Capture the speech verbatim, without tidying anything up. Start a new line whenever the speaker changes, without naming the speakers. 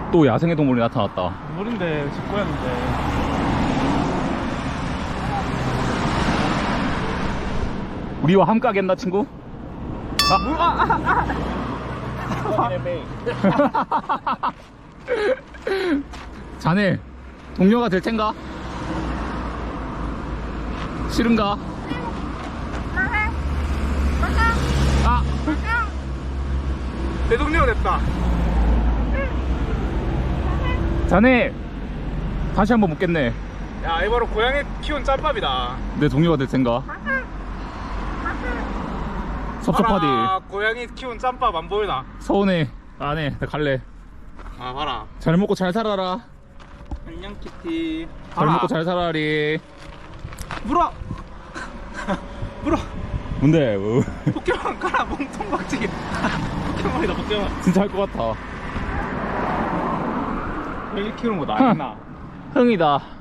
또 야생의 동물이 나타났다.
물인데 집 고였는데.
우리와 함께 하겠나 친구?
아, 아, 아, 아.
자네 동료가 될 텐가? 싫은가? 아!
내 동료가 됐다.
자네 다시 한번 묻겠네.
야, 이 바로 고양이 키운 짬밥이다.
내 동료가 될 텐가? 섭섭하디.
봐라, 고양이 키운 짬밥 안 보이나?
서운해. 안해. 나 갈래.
아, 봐라.
잘 먹고 잘 살아라.
안녕 키티.
잘 먹고 잘 살아리.
물어. 물어.
뭔데? 뭐.
포켓몬 가라, 몸통 박치기. 포켓몬이다, 포켓몬.
진짜 할 것 같아.
고양이 키우는 거 나겠나?
흥이다.